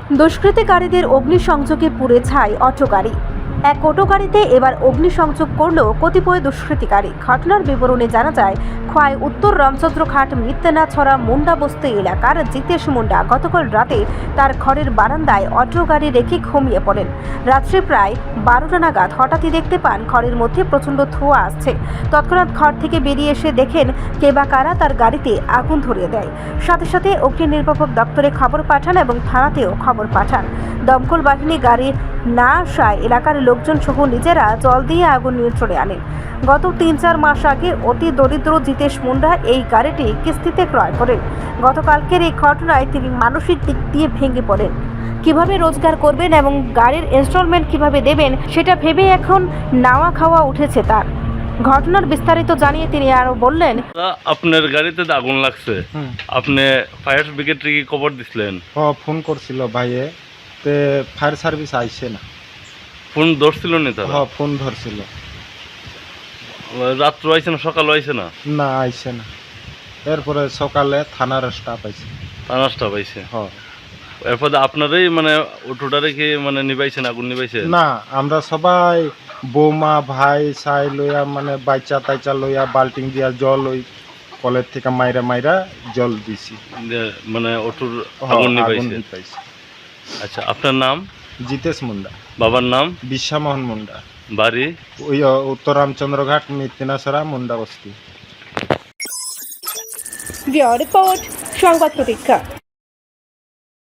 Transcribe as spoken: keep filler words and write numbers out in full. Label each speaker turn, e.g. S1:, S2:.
S1: দুষ্কৃতিকারীদের অগ্নিসংযোগে পুড়ে ছাই অটো গাড়ি। এক অটো গাড়িতে এবার অগ্নিসংযোগ করল কতিপয় দুষ্কৃতিকারী। ঘটনার বিবরণে জানা যায়, খোয়াই উত্তর রামচন্দ্রঘাট মিত্তেনাছড়া মুন্ডা বস্তি এলাকার জিতেশ মুন্ডা গতকাল রাতে তার ঘরের বারান্দায় অটো গাড়ি রেখে ঘুমিয়ে পড়েন। রাত্রে প্রায় বারোটা নাগাদ হঠাৎই দেখতে পান ঘরের মধ্যে প্রচণ্ড ধোঁয়া আসছে। তৎক্ষণাৎ ঘর থেকে বেরিয়ে এসে দেখেন কে বা কারা তার গাড়িতে আগুন ধরিয়ে দেয়। সাথে সাথে অগ্নি নির্বাপক দপ্তরে খবর পাঠান এবং থানাতেও খবর পাঠান। দমকল বাহিনী গাড়ি না আসায় এলাকার লোকজন সহ নিজেরা জল দিয়ে আগুন নিয়ন্ত্রণে আনেন। গত তিন চার মাস আগে অতি দরিদ্র জিতেশ মুন্ডা এই গাড়িটি কিস্তিতে ক্রয় করেন। গতকালকের এই ঘটনায় তিনি মানসিক দিক দিয়ে ভেঙে পড়েন। কিভাবে রোজগার করবেন এবং গাড়ির ইনস্টলমেন্ট কিভাবে দেবেন সেটা ভেবে এখন নাওয়া খাওয়া উঠেছে তার। ঘটনার বিস্তারিত জানিয়ে তিনি আরো বললেন,
S2: আপনার গাড়িতে তো আগুন লাগছে, আপনি ফায়ার ব্রিগেড কি খবর দিছিলেন?
S3: হ ফোন করছিল ভাইয়ে, তে ফায়ার সার্ভিস আইছে না।
S2: ফোন ধরছিল না তারা?
S3: হ ফোন ধরছিল।
S2: রাত্র আইছে না সকাল আইছে না?
S3: না আইছে না। এরপরে সকালে থানার স্টাফ আইছে।
S2: থানার স্টাফ আইছে?
S3: হ।
S2: এরপরে আপনারাই মানে অটোটা রেখে মানে নিবাইছেন, আগুন নিবাইছেন?
S3: না, আমরা সবাই বৌমা ভাই সাই লইয়া মানে বাইচা তাইচা লইয়া বাল্টিং দিয়া জল ওই কলের থেকে মাইরা মাইরা জল দিছি,
S2: মানে অটোর
S3: হ,
S2: আগুন
S3: আগুন
S2: নিবাইছে।
S3: নিবাইছি।
S2: আচ্ছা, আপনার নাম?
S3: জিতেশ মুন্ডা।
S2: বাবার নাম?
S3: বিশ্বামোহন মুন্ডা।
S2: বাড়ি?
S3: ওই উত্তর রামচন্দ্রঘাট মিত্তেনাছড়া মুন্ডা বস্তি।
S1: রিপোর্ট সংবাদ প্রতীক্ষা।